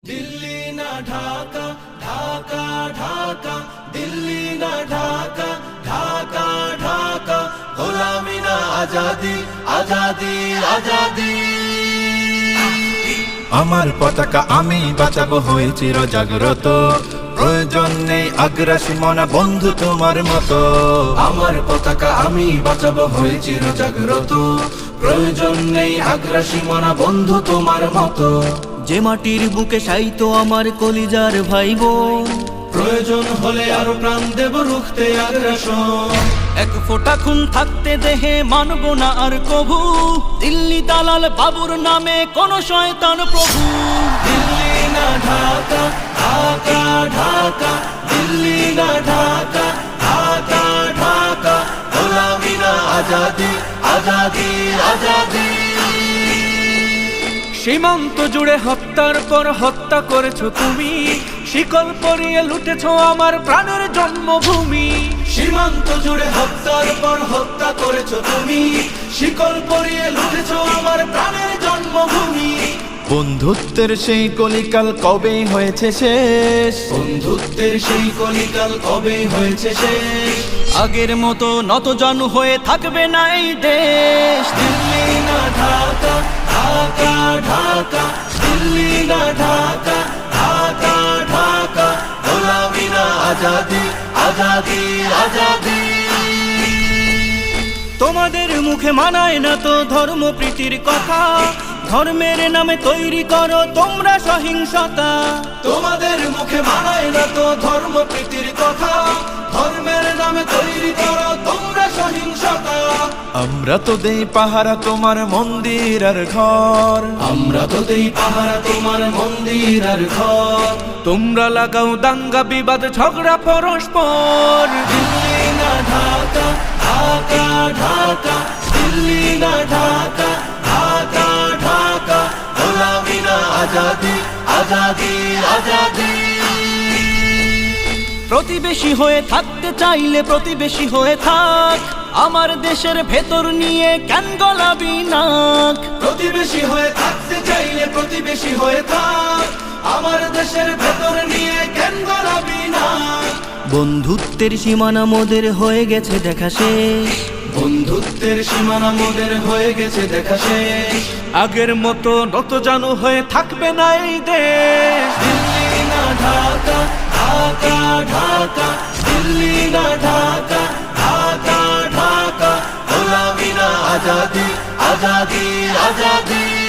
दिल्ली ना ढाका ढाका ढाका दिल्ली ना ढाका ढाका ढाका गोलामी ना आजादी आजादी आजादी আমার পতাকা আমি বাঁচাবো হয়ে চির জাগ্রত প্রয়োজন নেই আগ্রাসী মনা বন্ধু তোমার মতো আমার পতাকা আমি বাঁচাবো হয়ে চির জাগ্রত প্রয়োজন নেই আগ্রাসী মনা বন্ধু তোমার মতো যে মাটির বুকে সাইতো আমার কলিজার ভাই বোন প্রয়োজন হলে আরো প্রাণ দেব রুখতে আগ্রাসন এক ফোঁটা খুন থাকতে দেহে মানব না আর কভু দিল্লি দালাল বাবুর নামে কোন শয়তান প্রভু दिल्ली ना ढाका ढाका ढाका दिल्ली ना ढाका ढाका ढाका गोलामी ना आजादी आजादी आजादी সীমান্ত জুড়ে হত্যার পর হত্যা করেছো তুমি শিকল পরিয়ে লুটেছো আমার প্রাণের জন্মভূমি সীমান্ত জুড়ে হত্যার পর হত্যা করেছো তুমি শিকল পরিয়ে লুটেছো আমার প্রাণের জন্মভূমি বন্ধুত্বের সেই কলিকাল কবে হয়েছে শেষ বন্ধুত্বের সেই কলিকাল কবে হয়েছে শেষ আগের মতো নতজানু হয়ে থাকবে না এই দেশ दिल्ली ना ढाका ढाका ढाका दिल्ली ना ढाका ढाका ढाका गोलामी ना आजादी आजादी आजादी তোমাদের মুখে মানায় না তো ধর্ম প্রীতির কথা ধর্মের নামে তৈরি করো তোমরা সহিংসতা তোমাদের মুখে মানায় না তো ধর্ম প্রীতির কথা ধর্মের নামে তৈরি করো তোমরা সহিংসতা আমরা তো দেই পাহারা তোমার মন্দির আর ঘর আমরা তো দেই পাহারা তোমার মন্দির আর ঘর তোমরা লাগাও দাঙ্গা বিবাদ ঝগড়া পরস্পর दिल्ली ना ढाका ढाका ढाका दिल्ली ना ढाका ढाका ढाका गोलामी ना आजादी आजादी आजादी প্রতিবেশী হয়ে থাকতে চাইলে প্রতিবেশী হয়ে থাক আমার দেশের ভেতর নিয়ে কেন গলাবি নাক প্রতিবেশী হয়ে থাকতে চাইলে প্রতিবেশী হয়ে থাক আমার দেশের ভেতর নিয়ে কেন গলাবি না বন্ধুত্বের সীমানা মোদের হয়ে গেছে দেখা শেষ বন্ধুত্বের সীমানা মোদের হয়ে গেছে দেখা শেষ আগের মতো নতজানু হয়ে থাকবে না এই দেশ दिल्ली ना ढाका ढाका ढाका दिल्ली ना ढाका ढाका ढाका गोलामी ना आजादी आजादी आजादी